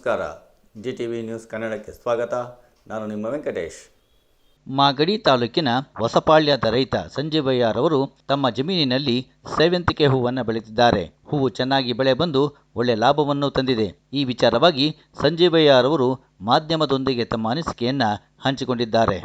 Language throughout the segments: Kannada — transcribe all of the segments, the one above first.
ನಮಸ್ಕಾರ. GTV ನ್ಯೂಸ್ ಕನ್ನಡಕ್ಕೆ ಸ್ವಾಗತ. ನಾನು ನಿಮ್ಮ ವೆಂಕಟೇಶ್. ಮಾಗಡಿ ತಾಲೂಕಿನ ಹೊಸಪಾಳ್ಯದ ರೈತ ಸಂಜೀವಯ್ಯರವರು ತಮ್ಮ ಜಮೀನಿನಲ್ಲಿ ಸೇವಂತಿಗೆ ಹೂವನ್ನು ಬೆಳೆದಿದ್ದಾರೆ. ಹೂವು ಚೆನ್ನಾಗಿ ಬೆಳೆ ಬಂದು ಒಳ್ಳೆ ಲಾಭವನ್ನು ತಂದಿದೆ. ಈ ವಿಚಾರವಾಗಿ ಸಂಜೀವಯ್ಯರವರು ಮಾಧ್ಯಮದೊಂದಿಗೆ ತಮ್ಮ ಅನಿಸಿಕೆಯನ್ನು ಹಂಚಿಕೊಂಡಿದ್ದಾರೆ.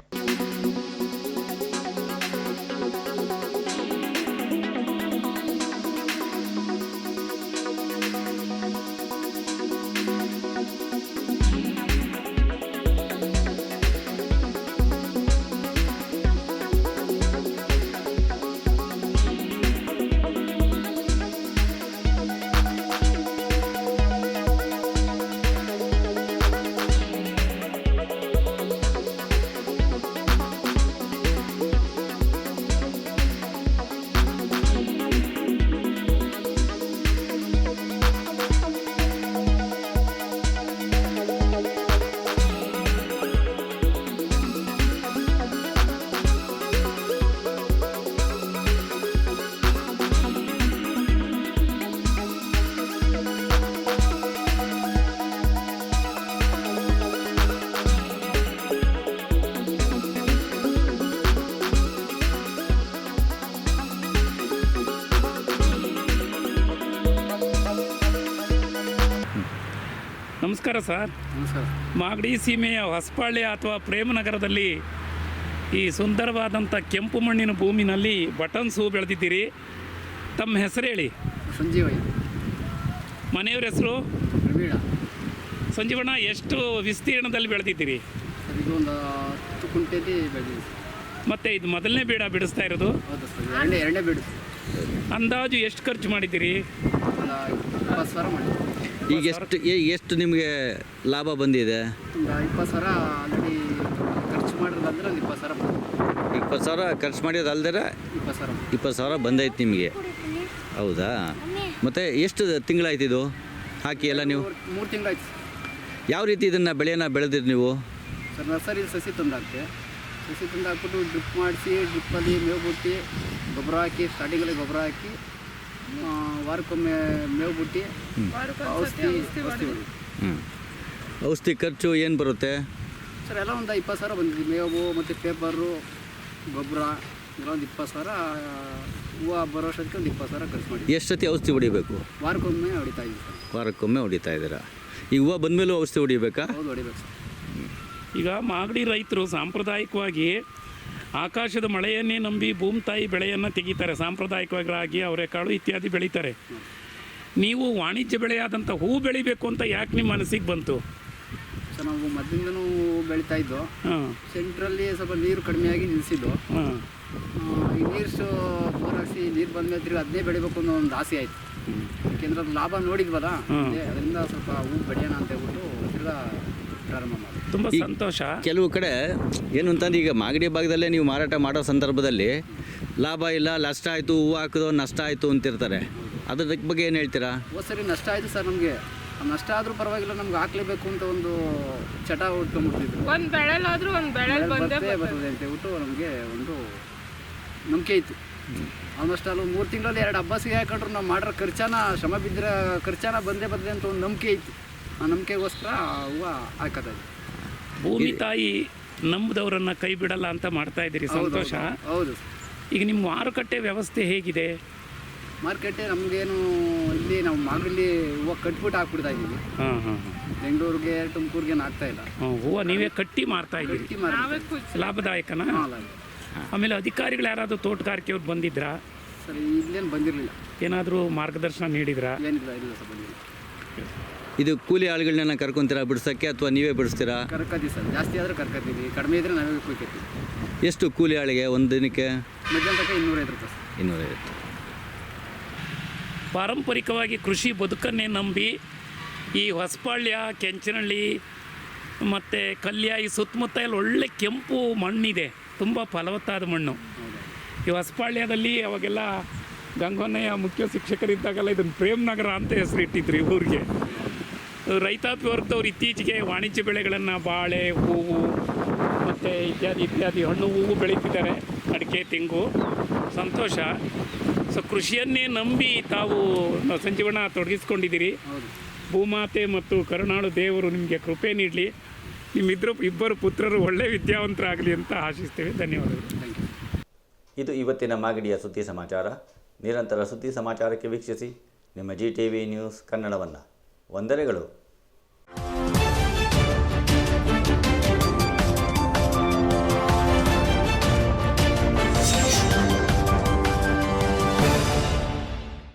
ನಮಸ್ಕಾರ ಸರ್. ನಮಸ್ಕಾರ. ಮಾಗಡಿ ಸೀಮೆಯ ಹೊಸಪಾಳ್ಯ ಅಥವಾ ಪ್ರೇಮನಗರದಲ್ಲಿ ಈ ಸುಂದರವಾದಂಥ ಕೆಂಪು ಮಣ್ಣಿನ ಭೂಮಿನಲ್ಲಿ ಬಟನ್ಸ್ ಹೂ ಬೆಳೆದಿದ್ದೀರಿ. ತಮ್ಮ ಹೆಸರು ಹೇಳಿ. ಸಂಜೀವಯ್ಯ. ಮನೆಯವ್ರ ಹೆಸರು? ಪ್ರವೀಣ. ಸಂಜೀವಣ್ಣ, ಎಷ್ಟು ವಿಸ್ತೀರ್ಣದಲ್ಲಿ ಬೆಳೆದಿದ್ದೀರಿ? ಸರ್, ಇದು ಒಂದು 10 ಕುಂಟೆಯಲ್ಲಿ ಬೆಳೆದಿದೆ. ಮತ್ತು ಇದು ಮೊದಲನೇ ಬೀಡ ಬಿಡಿಸ್ತಾ ಇರೋದು? ಹೌದು ಸರ್, ಎರಡನೇ ಬೀಡು. ಅಂದಾಜು ಎಷ್ಟು ಖರ್ಚು ಮಾಡಿದ್ದೀರಿ? ಒಂದು 20,000 ಮಾಡಿ. ಈಗ ಎಷ್ಟು ನಿಮಗೆ ಲಾಭ ಬಂದಿದೆ? ಒಂದು 20,000 ಆಲ್ರೆಡಿ ಖರ್ಚು ಮಾಡಿರೋದಂದ್ರೆ ಒಂದು 20,000 ಬಂದಿದೆ. 20,000 ಖರ್ಚು ಮಾಡಿರೋದು ಅಲ್ದರೆ 20,000 ಬಂದೈತೆ ನಿಮಗೆ. ಹೌದಾ? ಮತ್ತು ಎಷ್ಟು ತಿಂಗಳಾಯ್ತು ಇದು ಹಾಕಿ ಎಲ್ಲ ನೀವು? 3 ತಿಂಗಳಾಯ್ತು. ಯಾವ ರೀತಿ ಇದನ್ನು ಬೆಳೆಯನ್ನು ಬೆಳೆದಿರಿ ನೀವು? ಸರ್, ನರ್ಸರಿ ಸಸಿ ತಂದಾಕ್ತೆ. ಸಸಿ ತಂದಾಕ್ಬಿಟ್ಟು ಡ್ರಿಪ್ ಮಾಡಿಸಿ, ಡ್ರಿಪ್ಪಲ್ಲಿ ಮೇವು ಬಿಟ್ಟು ಗೊಬ್ಬರ ಹಾಕಿ, ಸ್ಟಾರ್ಟಿಂಗಲ್ಲಿ ಗೊಬ್ಬರ ಹಾಕಿ, ವಾರಕ್ಕೊಮ್ಮೆ ಮೇವು ಬಿಟ್ಟು ಔಷಧಿ ಹೊಡಿ. ಔಷಧಿ ಖರ್ಚು ಏನು ಬರುತ್ತೆ ಸರ್? ಎಲ್ಲ ಒಂದು 20,000 ಬಂದಿದೆ. ಮೇವು ಮತ್ತು ಪೇಪರು, ಗೊಬ್ಬರ ಎಲ್ಲ ಒಂದು 20,000. ಹೂವು ಬರೋ ವರ್ಷಕ್ಕೆ ಒಂದು 20,000 ಖರ್ಚು ಮಾಡಿ. ಎಷ್ಟು ಸತಿ ಔಷಧಿ ಹೊಡಿಬೇಕು? ವಾರಕ್ಕೊಮ್ಮೆ ಹೊಡಿತಾ ಇದ್ದೀವಿ ಸರ್. ವಾರಕ್ಕೊಮ್ಮೆ ಹೊಡಿತಾ ಇದ್ದೀರಾ? ಈ ಹೂವು ಬಂದಮೇಲೂ ಔಷಧಿ ಹೊಡಿಬೇಕಾ? ಹೌದು, ಹೊಡಿಬೇಕು ಸರ್. ಈಗ ಮಾಗಡಿ ರೈತರು ಸಾಂಪ್ರದಾಯಿಕವಾಗಿ ಆಕಾಶದ ಮಳೆಯನ್ನೇ ನಂಬಿ ಭೂಮಿ ತಾಯಿ ಬೆಳೆಯನ್ನು ತೆಗಿತಾರೆ. ಸಾಂಪ್ರದಾಯಿಕವಾಗಿ ರಾಗಿ, ಅವರೆಕಾಳು ಇತ್ಯಾದಿ ಬೆಳೀತಾರೆ. ನೀವು ವಾಣಿಜ್ಯ ಬೆಳೆಯಾದಂಥ ಹೂ ಬೆಳಿಬೇಕು ಅಂತ ಯಾಕೆ ನಿಮ್ಮ ಮನಸ್ಸಿಗೆ ಬಂತು? ಸರ್, ನಾವು ಮೊದಲಿಂದನೂ ಬೆಳೀತಾ ಇದ್ದೋ. ಸೆಂಟ್ರಲ್ಲಿ ಸ್ವಲ್ಪ ನೀರು ಕಡಿಮೆಯಾಗಿ ನಿಲ್ಲಿಸಿದ್ದು. ಈ ನೀರು ಬೋರ್ ಹಾಕ್ಸಿ ನೀರು ಬಂದ್ಮೇಲೆ ತಿರ್ಗಿ ಅದನ್ನೇ ಬೆಳಿಬೇಕು ಅನ್ನೋ ಒಂದು ಆಸೆ ಆಯಿತು. ಯಾಕೆಂದ್ರೆ ಅದು ಲಾಭ ನೋಡಿದ್ವಲ್ಲ, ಅದರಿಂದ ಸ್ವಲ್ಪ ಹೂ ಬೆಳೆಯೋಣ ಅಂತ ಹೇಳ್ಬಿಟ್ಟು ತಿರ್ಗಾ ಪ್ರಾರಂಭ ಮಾಡಿ. ತುಂಬ ಸಂತೋಷ. ಕೆಲವು ಕಡೆ ಏನು ಅಂತಂದ್ರೆ, ಈಗ ಮಾಗಡಿ ಭಾಗದಲ್ಲೇ ನೀವು ಮಾರಾಟ ಮಾಡೋ ಸಂದರ್ಭದಲ್ಲಿ ಲಾಭ ಇಲ್ಲ, ನಷ್ಟ ಆಯಿತು, ಹೂವು ಹಾಕಿದೋ ನಷ್ಟ ಆಯಿತು ಅಂತಿರ್ತಾರೆ. ಅದ್ರ ಬಗ್ಗೆ ಏನು ಹೇಳ್ತೀರಾ? ಸರಿ, ನಷ್ಟ ಆಯಿತು ಸರ್. ನಮಗೆ ನಷ್ಟ ಆದರೂ ಪರವಾಗಿಲ್ಲ, ನಮ್ಗೆ ಹಾಕ್ಲೇಬೇಕು ಅಂತ ಒಂದು ಚಟ ಉಟ್ಕೊಂಡ್ಬಿಟ್ಟಿದ್ರು. ಒಂದು ಬೆಳೆಲಾದರೂ ಒಂದು ಬೆಳೆ ಬರ್ತದೆ ಅಂತ ಹೇಳ್ಬಿಟ್ಟು ನಮಗೆ ಒಂದು ನಂಬಿಕೆ ಇತ್ತು. ಆಲ್ಮೋಸ್ಟ್ ಅಲ್ಲಿ 3 ತಿಂಗಳಲ್ಲಿ 2 ಹಬ್ಬಸಿಗೆ ಹಾಕೊಂಡ್ರು ನಾವು ಮಾಡಿರೋ ಶ್ರಮ ಬಿದ್ದರೆ ಖರ್ಚಾನ ಬಂದೇ ಬರ್ತದೆ ಅಂತ ಒಂದು ನಂಬಿಕೆ ಇತ್ತು. ಆ ನಂಬಿಕೆಗೋಸ್ಕರ ಹೂವು ಹಾಕೋದು. ಭೂಮಿ ತಾಯಿ ನಂಬಿದವರನ್ನು ಕೈ ಬಿಡಲ್ಲ ಅಂತ ಮಾಡ್ತಾ ಇದ್ದೀರಿ. ಸಂತೋಷ. ಹೌದು. ಈಗ ನಿಮ್ಮ ಮಾರುಕಟ್ಟೆ ವ್ಯವಸ್ಥೆ ಹೇಗಿದೆ? ಮಾರ್ಕೆಟೇ ನಮಗೇನು, ಇಲ್ಲಿ ನಾವು ಮಾಗಡಿಲಿ ಹೂವು ಕಟ್ಬಿಟ್ಟು ಹಾಕ್ಬಿಡ್ತಾ ಇದ್ದೀವಿ. ಬೆಂಗಳೂರಿಗೆ, ತುಮಕೂರಿಗೆ ಹಾಕ್ತಾ ಇಲ್ಲ. ಹೂವು ನೀವೇ ಕಟ್ಟಿ ಮಾರ್ತಾ ಇದ್ದೀರಿ. ಲಾಭದಾಯಕನಾ? ಆಮೇಲೆ ಅಧಿಕಾರಿಗಳು ಯಾರಾದರೂ ತೋಟಗಾರಿಕೆಯವ್ರು ಬಂದಿದ್ರಾ? ಸರ್, ಇಲ್ಲೇನು ಬಂದಿರಲಿಲ್ಲ. ಏನಾದರೂ ಮಾರ್ಗದರ್ಶನ ನೀಡಿದ್ರಾ? ಏನಿಲ್ಲ, ಇಲ್ಲ ಸರ್, ಬಂದಿಲ್ಲ. ಇದು ಕೂಲಿ ಆಳುಗಳನ್ನ ಕರ್ಕೊತೀರಾ ಬಿಡಿಸೋಕ್ಕೆ, ಅಥವಾ ನೀವೇ ಬಿಡಿಸ್ತೀರಾ? ಕರ್ಕೋತೀವಿ ಸರ್. ಜಾಸ್ತಿ ಆದರೆ ಕರ್ಕೋತೀವಿ, ಕಡಿಮೆ ಇದ್ದರೆ ನಾವೇ ಕುಯ್ಕೋತೀವಿ. ಎಷ್ಟು ಕೂಲಿ ಆಳಿಗೆ ಒಂದು ದಿನಕ್ಕೆ? ಮಧ್ಯಾಹ್ನ ತನಕ 250 ರೂಪಾಯಿ. 250. ಪಾರಂಪರಿಕವಾಗಿ ಕೃಷಿ ಬದುಕನ್ನೇ ನಂಬಿ ಈ ಹೊಸಪಾಳ್ಯ, ಕೆಂಚನಹಳ್ಳಿ ಮತ್ತು ಕಲ್ಯ ಈ ಸುತ್ತಮುತ್ತ ಎಲ್ಲ ಒಳ್ಳೆ ಕೆಂಪು ಮಣ್ಣಿದೆ, ತುಂಬ ಫಲವತ್ತಾದ ಮಣ್ಣು. ಈ ಹೊಸಪಾಳ್ಯದಲ್ಲಿ ಅವಾಗೆಲ್ಲ ಗಂಗಣ್ಣಯ್ಯ ಮುಖ್ಯ ಶಿಕ್ಷಕರಿದ್ದಾಗೆಲ್ಲ ಇದನ್ನು ಪ್ರೇಮನಗರ ಅಂತ ಹೆಸರಿಟ್ಟಿದ್ರು ಈ ಊರಿಗೆ. ರೈತಾಪಿ ವರ್ಗದವ್ರು ಇತ್ತೀಚೆಗೆ ವಾಣಿಜ್ಯ ಬೆಳೆಗಳನ್ನು ಬಾಳೆ, ಹೂವು ಮತ್ತು ಇತ್ಯಾದಿ ಹಣ್ಣು ಹೂವು ಬೆಳೀತಿದ್ದಾರೆ, ಅಡಿಕೆ, ತೆಂಗು. ಸಂತೋಷ. ಸೊ ಕೃಷಿಯನ್ನೇ ನಂಬಿ ತಾವು ಸಂಜೀವಣ್ಣ ತೊಡಗಿಸ್ಕೊಂಡಿದ್ದೀರಿ. ಭೂಮಾತೆ ಮತ್ತು ಕರುಣಾಳು ದೇವರು ನಿಮಗೆ ಕೃಪೆ ನೀಡಲಿ. ಇಬ್ಬರು ಪುತ್ರರು ಒಳ್ಳೆಯ ವಿದ್ಯಾವಂತರಾಗಲಿ ಅಂತ ಆಶಿಸ್ತೇವೆ. ಧನ್ಯವಾದಗಳು. Thank you. ಇದು ಇವತ್ತಿನ ಮಾಗಡಿಯ ಸುದ್ದಿ ಸಮಾಚಾರ. ನಿರಂತರ ಸುದ್ದಿ ಸಮಾಚಾರಕ್ಕೆ ವೀಕ್ಷಿಸಿ ನಿಮ್ಮ GTV ನ್ಯೂಸ್ ಕನ್ನಡವನ್ನು. ವಂದನೆಗಳು.